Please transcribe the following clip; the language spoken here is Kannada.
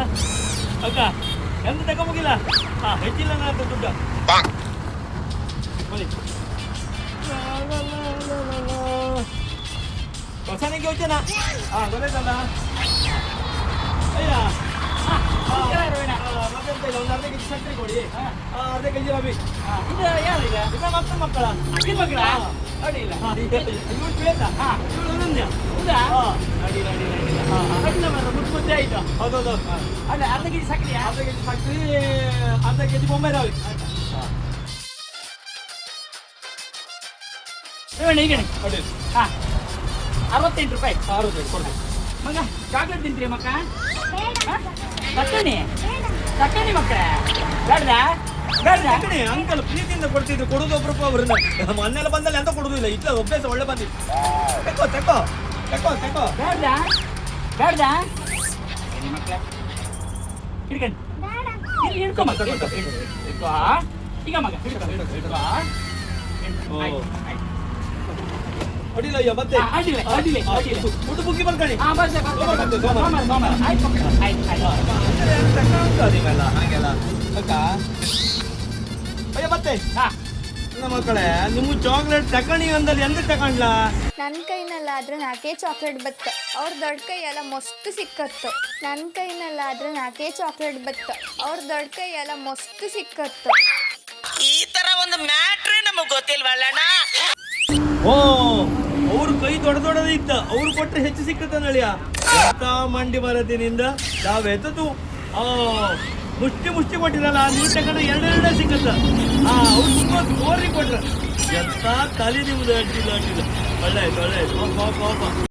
ಅಕ್ಕ ಎಂತ ತಗೊಂಬೋಗಿಲ್ಲ ಹೆಚ್ಚಿಲ್ಲ ನಾನು ದುಡ್ಡು ಬನ್ನಿ ಹೊಸನಿಗೆ ಯೋಚನಾ ಗೊತ್ತಾಯ್ತಲ್ಲ ಅಯ್ಯ ಒಂದು ಅರ್ಧ ಕೆಜಿ ಸಕ್ಕರೆ ಕೊಡಿ ಅರ್ಧ ಕೆಜಿ ರವಿ ಇದು ಮಕ್ಕಳ ಮಕ್ಕಳ ಮಕ್ಕಳ ಅಡಿಲ್ಲ ಇವ್ರು ಬೇಡ ಮುದ್ದೆ ಆಯ್ತು ಹೌದೌದು ಅಲ್ಲ ಅರ್ಧ ಕೆಜಿ ಸಕ್ಕರೆ ಅರ್ಧ ಕೆಜಿ ಬೊಂಬೈ ರವಿ ಈಗ ಹಾಂ 68 ರೂಪಾಯಿ 68 ಕೊಡ್ಬೇಕು ಮಗ ಚಾಕ್ಲೇಟ್ ತಿಂತೀರಿ ಮಕ್ಕ ತಕ್ಕಣಿ ಮಕ್ಕಳ ಬೇಡ ಅಂಕಲ್ ಪ್ರೀತಿಯಿಂದ ಕೊಡ್ತಿದ್ರು ಕೊಡುದು ಒಬ್ರು ಅವ್ರನ್ನ ಮೊನ್ನೆಲ್ಲ ಬಂದಲ್ಲಿ ಎಂತ ಕೊಡುದಿಲ್ಲ ಇಟ್ಲ ಅಭ್ಯಾಸ ಒಳ್ಳೆ ಬಂದಿತ್ತು ತೆಕ್ಕೋ ತೆಕ್ಕೋ ತೆಕ್ಕೋ ತೆಕ್ಕೋ ಬೇಡ ಮಕ್ಕಳ ಹಿಡ್ಕೊಂಡು ಇಲ್ಲಿ ಹಿಡ್ಕೊ ಮಕ್ಕ ಹಿಡ್ಕೊ ಈಗ ಮಗ ಹಿಡ್ಕೊ ಅಡಿಲ್ಲ ಅಯ್ಯ ಮತ್ತೆ ಊಟ ಬುಕ್ಕಿ ಬರ್ಕೊಳ್ಳಿ ಹಾಗೆಲ್ಲ ಅಕ್ಕ ಅಯ್ಯ ಮತ್ತೆ ಮಕ್ಕಳೇ ನಿಮ್ಮ ಚಾಕ್ಲೇಟ್ ತಕಣಿ ಅಂದಲ್ಲಿ ಎಂತ ತಕೊಂಡ್ಲಾ ನನ್ನ ಕೈನಲ್ಲಾದ್ರೆ 4 ಚಾಕ್ಲೇಟ್ ಬತ್ತ ಅವ್ರ ದೊಡ್ಡ ಕೈ ಎಲ್ಲ ಮಸ್ತ್ ಸಿಕ್ಕತ್ತು ನನ್ನ ಕೈನಲ್ಲಾದ್ರೆ 4 ಚಾಕ್ಲೇಟ್ ಬತ್ತ ಅವ್ರ ದೊಡ್ಡ ಕೈ ಎಲ್ಲ ಮಸ್ತ್ ಸಿಕ್ಕತ್ತು ಈ ತರ ಒಂದು ಮ್ಯಾಟ್ರೇ ನಮಗ್ ಗೊತ್ತಿಲ್ವಲ್ಲಣ್ಣ ಓ ಅವ್ರ ಕೈ ದೊಡ್ಡದಿತ್ತ ಅವ್ರು ಕೊಟ್ರೆ ಹೆಚ್ಚು ಸಿಕ್ಕತ್ತ ನಳಿಯ ಎಂತ ಮಂಡಿ ಬರದಿನಿಂದ ನಾವೆತ್ತದು ಮುಷ್ಟಿ ಕೊಟ್ಟಿರಲ್ಲ ನೀ ತಗೊಂಡ್ರೆ ಎರಡೆರಡೇ ಸಿಕ್ಕತ್ತ ಅವ್ರು ತುಂಬಾ ಜೋರಿ ಕೊಟ್ರ ಎಂತ ತಲೆ ನಿಮ್ದು ಅಡ್ಡಿಲ್ಲ ಒಳ್ಳೆ ಆಯ್ತು